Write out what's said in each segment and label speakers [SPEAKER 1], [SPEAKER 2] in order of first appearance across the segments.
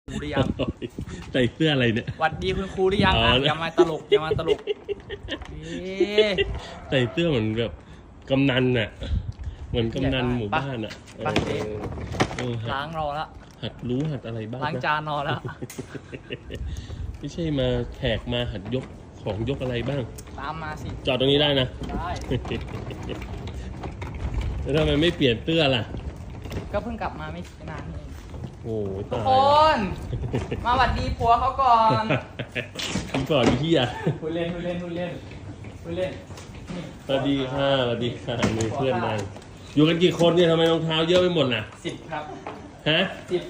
[SPEAKER 1] ครูหรือยัง
[SPEAKER 2] ใส่เสื้ออะไรเนี่ย
[SPEAKER 1] หวัดดีคุณครูหรือยังอ่ะอย่ามาตลกอย่ามาตลก
[SPEAKER 2] ใส่เสื้อเหมือนแบบกำนันน่ะเหมือนกำนันหมู่บ้านอ่ะ
[SPEAKER 1] ล้างรอละ
[SPEAKER 2] หัดรู้หัดอะไรบ้าง
[SPEAKER 1] ล้างจานรอแล้ว
[SPEAKER 2] ไม่ใช่มาแขกมาหัดยกของยกอะไรบ้าง
[SPEAKER 1] ตามมาสิ
[SPEAKER 2] จอดตรงนี้ได้นะ
[SPEAKER 1] ได้
[SPEAKER 2] แล้วทำไมไม่เปลี่ยนเสื้อล่ะ
[SPEAKER 1] ก็เพิ่งกลับมาไม่นานเอง
[SPEAKER 2] โอ้ย
[SPEAKER 1] ทุกคนมาหวัดดีผัวเขาก่อน
[SPEAKER 2] ก่อนพี่อ่ะ
[SPEAKER 1] พูดเล่นสวัส
[SPEAKER 2] ดีค่ะสวัสดีค่ะมีเพื่อนมาอยู่กันกี่คนเนี่ยทำไมรองเท้าเยอะไปหมดน่ะ
[SPEAKER 1] 10ครับ
[SPEAKER 2] ฮะ
[SPEAKER 1] 10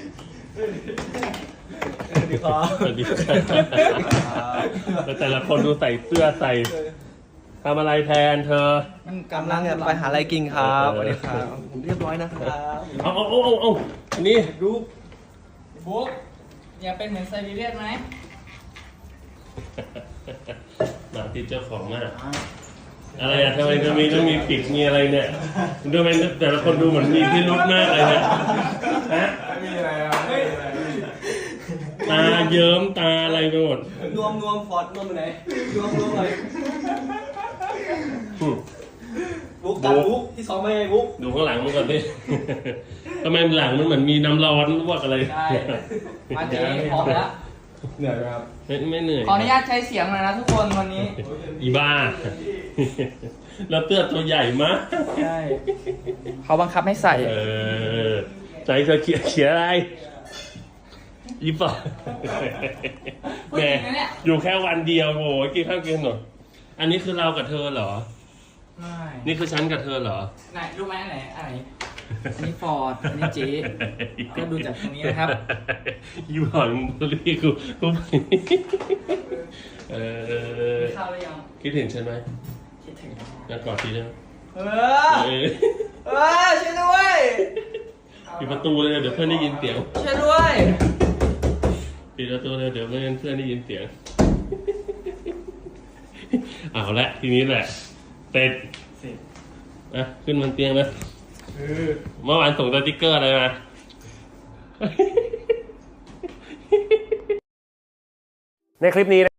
[SPEAKER 2] สวัสดีค่ะแล้วแต่ละคนดูใส่เสื้อใส่ทำอะไรแทนเธอ
[SPEAKER 1] มันกำลังจะไปหาอะไรกินครับสวัสดีครับผมเรียบร้อยนะครับ
[SPEAKER 2] เอาอันนี้
[SPEAKER 1] ดูบุ๊กอย่าเป็นเหมือนไซบีเรียนไหม
[SPEAKER 2] มาที่เจ้าของมากอะไรอะทำไมต้องมีปิดมีอะไรเนี่ยดูไหมแต่ละคนดูเหมือนมีพิรุธมากเลยนะฮะ
[SPEAKER 1] ไม่มีอะไร
[SPEAKER 2] ตาเยิ้มตาอะไรไปหมด
[SPEAKER 1] นวมฟอดนวมไปไหนนวมเลยบุ๊กตัดบุ๊กที่2ไม่ไงบุ๊ก
[SPEAKER 2] ดูข้างหลังมันก่อนดิทำไมหลังมันเหมือนมีน้ำร้อนลวกอะไร
[SPEAKER 1] ใช่มาเจ๊พร้อมแล้ว
[SPEAKER 3] เหนื่อยไหมครับ
[SPEAKER 2] ไม่เหนื่อย
[SPEAKER 1] ขออนุญาตใช้เสียงหน่อยนะทุกคนวันนี้
[SPEAKER 2] อีบ้าแล้วเตื้อตัวใหญ่มาก
[SPEAKER 1] ใช่เขาบังคับให้ใส่
[SPEAKER 2] ใจเธอเขียนอะไรอีป่ะแม่อยู่แค่วันเดียวโว้ยกินข้าวกินหน่อยอันนี้คือเรากับเธอเหรอ
[SPEAKER 1] ไม่
[SPEAKER 2] นี่คือฉันกับเธอเหรอ
[SPEAKER 1] ไหนรู้ไหมไหนอันนี้ฟอร์ดอันนี้เจ๊ก็ดูจากตรงนี้นะครับ
[SPEAKER 2] ยูหอนตัวนี้กู
[SPEAKER 1] ข้าวหรือยัง
[SPEAKER 2] คิดถึงฉันไหม
[SPEAKER 1] คิดถึง
[SPEAKER 2] งั้นกอดทีนะ
[SPEAKER 1] ช่วยด้วย
[SPEAKER 2] ปิดประตูเลยเดี๋ยวเพื่อนได้ยินเสียง
[SPEAKER 1] ช่วยด้วย
[SPEAKER 2] ปิดประตูเลยเดี๋ยวเพื่อนได้ยินเสียงเอาละทีนี้แหละเสร็จขึ้นบนเตียงนะเมื่อวานส่งสติ๊กเกอร์อะไรมาในคลิปนี้